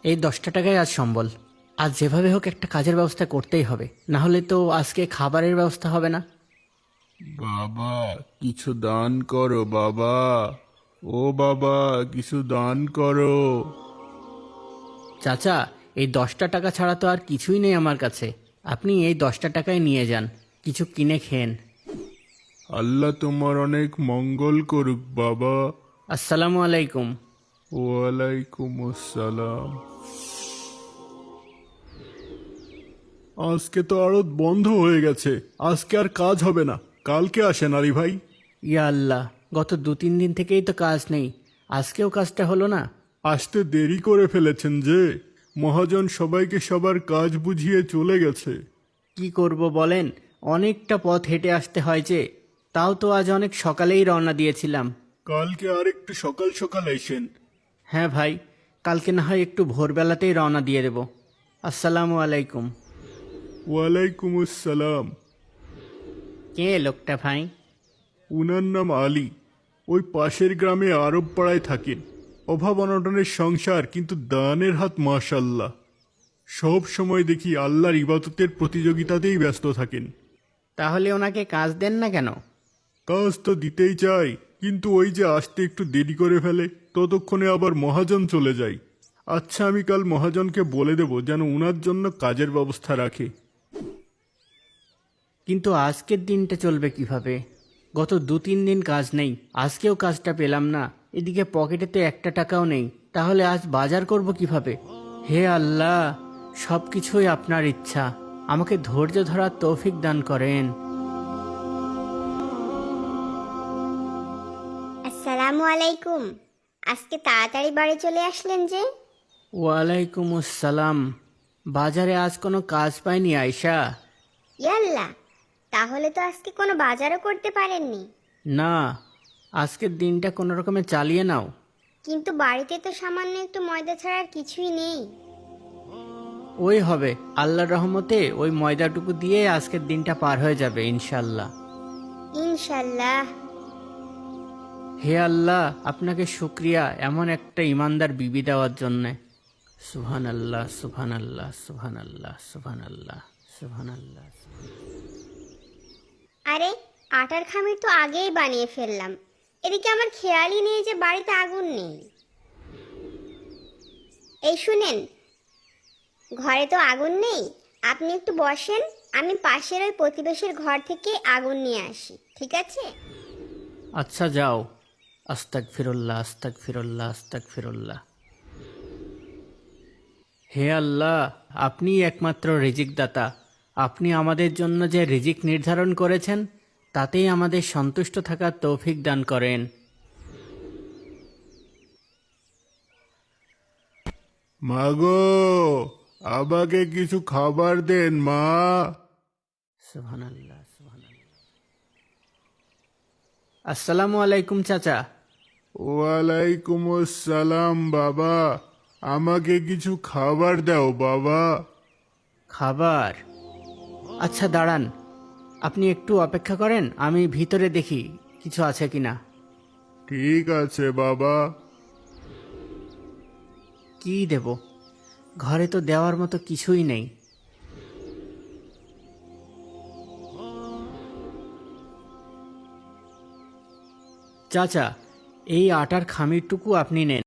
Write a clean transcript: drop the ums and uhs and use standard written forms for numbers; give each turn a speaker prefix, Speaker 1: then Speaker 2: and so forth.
Speaker 1: এই 10টা টাকায় আজ সম্বল। আজ যেভাবে হোক একটা কাজের ব্যবস্থা করতেই হবে, না হলে তো আজকে খাবারের ব্যবস্থা হবে না।
Speaker 2: বাবা, কিছু দান করো বাবা। ও বাবা, কিছু দান করো।
Speaker 1: চাচা, এই 10টা টাকা ছাড়া তো আর কিছুই নেই আমার কাছে। আপনি এই 10টা টাকায় নিয়ে যান, কিছু কিনে খেন।
Speaker 2: আল্লাহ তোমার অনেক মঙ্গল করুক বাবা।
Speaker 1: আসসালামু আলাইকুম।
Speaker 2: ওয়ালাইকুম আসসালাম। আজকে তো আড়ত বন্ধ হয়ে গেছে, আজকে আর কাজ হবে না। কালকে আসেন আলী ভাই।
Speaker 1: ইয়া আল্লাহ, গত 2-3 দিন থেকেই তো কাজ নেই, আজকেও কাজটা হলো না।
Speaker 2: আসতে দেরি করে ফেলেছেন যে, মহাজন সবাইকে সবার কাজ বুঝিয়ে চলে গেছে।
Speaker 1: কি করব বলেন, অনেকটা পথ হেঁটে আসতে হয় যে। তাও তো আজ অনেক সকালেই রওনা দিয়েছিলাম।
Speaker 2: কালকে আর একটু সকাল সকাল এসেন।
Speaker 1: হ্যাঁ ভাই, কালকে না হয় একটু ভোরবেলাতেই রওনা দিয়ে দেব। আসসালামু আলাইকুম।
Speaker 2: ওয়ালাইকুম আসসালাম।
Speaker 1: কে লোকটা ভাই?
Speaker 2: উনার নাম আলী। ওই পাশের গ্রামে আরব পাড়ায় থাকেন। অভাব অনটনের সংসার, কিন্তু দানের হাত মাশাল্লাহ। সব সময় দেখি আল্লাহর ইবাদতের প্রতিযোগিতাতেই ব্যস্ত থাকেন।
Speaker 1: তাহলে ওনাকে কাজ দেন না কেন?
Speaker 2: কাজ তো দিতেই চাই, কিন্তু ওই যে আসতে একটু দেরি করে ফেলে, ততক্ষণে আবার মহাজন চলে যায়। আচ্ছা, আমি কাল মহাজনকে বলে দেব যেন উনার জন্য কাজের ব্যবস্থা রাখে।
Speaker 1: কিন্তু আজকের দিনটা চলবে কিভাবে? গত 2-3 দিন কাজ নেই, আজকেও কাজটা পেলাম না। এদিকে পকেটে তো একটা টাকাও নেই, তাহলে আজ বাজার করব কিভাবে? হে আল্লাহ, সব কিছুই আপনার ইচ্ছা, আমাকে ধৈর্য ধরার তৌফিক দান করেন।
Speaker 3: আসসালামু আলাইকুম। আজকে তাড়াতাড়ি বাড়ি চলে আসলেন যে?
Speaker 1: ওয়ালাইকুম আসসালাম। বাজারে আজ কোনো কাজ পাইনি আয়শা।
Speaker 3: ইয়াল্লা, তাহলে তো আজকে কোনো বাজারও করতে পারেননি।
Speaker 1: না, আজকের দিনটা কোনো রকমে চালিয়ে নাও।
Speaker 3: কিন্তু বাড়িতে তো সামান্য একটু ময়দা ছাড়া আর কিছুই নেই।
Speaker 1: ওই হবে, আল্লাহর রহমতে ওই ময়দাটুকু দিয়ে আজকের দিনটা পার হয়ে যাবে ইনশাল্লাহ।
Speaker 3: ইনশাল্লাহ।
Speaker 1: হে আল্লাহ, আপনাকে শুক্রিয়া এমন একটা ইমানদার বিবি দেওয়ার জন্যে। সুবহান আল্লাহ, সুবহান আল্লাহ, সুবহান আল্লাহ, সুবহান আল্লাহ, সুবহান আল্লাহ।
Speaker 3: আরে, আটার খামির তো আগেই বানিয়ে ফেললাম। এদিকে আমার খেয়ালই নেই যে বাড়িতে আগুন নেই। এই শুনেন, ঘরে তো আগুন নেই, আপনি একটু বসেন, আমি পাশের ওই প্রতিবেশীর ঘর থেকে আগুন নিয়ে আসি, ঠিক আছে?
Speaker 1: আচ্ছা যাও। আস্তাগফিরুল্লাহ, আস্তাগফিরুল্লাহ, আস্তাগফিরুল্লাহ। হে আল্লাহ, আপনিই একমাত্র রিজিক দাতা। আপনি আমাদের জন্য যে রিজিক নির্ধারণ করেছেন, তাতেই আমাদের সন্তুষ্ট থাকার তৌফিক দান করেন।
Speaker 2: মাগো, আমাকে কিছু খাবার দেন মা।
Speaker 1: সুবহানাল্লাহ, সুবহানাল্লাহ। আসসালামু আলাইকুম চাচা।
Speaker 2: ওয়ালাইকুম আসসালাম বাবা। আমাকে কিছু খাবার দাও বাবা।
Speaker 1: খাবার? আচ্ছা দাঁড়ান, আপনি একটু অপেক্ষা করেন, আমি ভিতরে দেখি কিছু আছে কিনা।
Speaker 2: ঠিক আছে বাবা।
Speaker 1: কি দেব? ঘরে তো দেওয়ার মতো কিছুই নেই। চাচা, এই আটার খামিরটুকু আপনি নেন।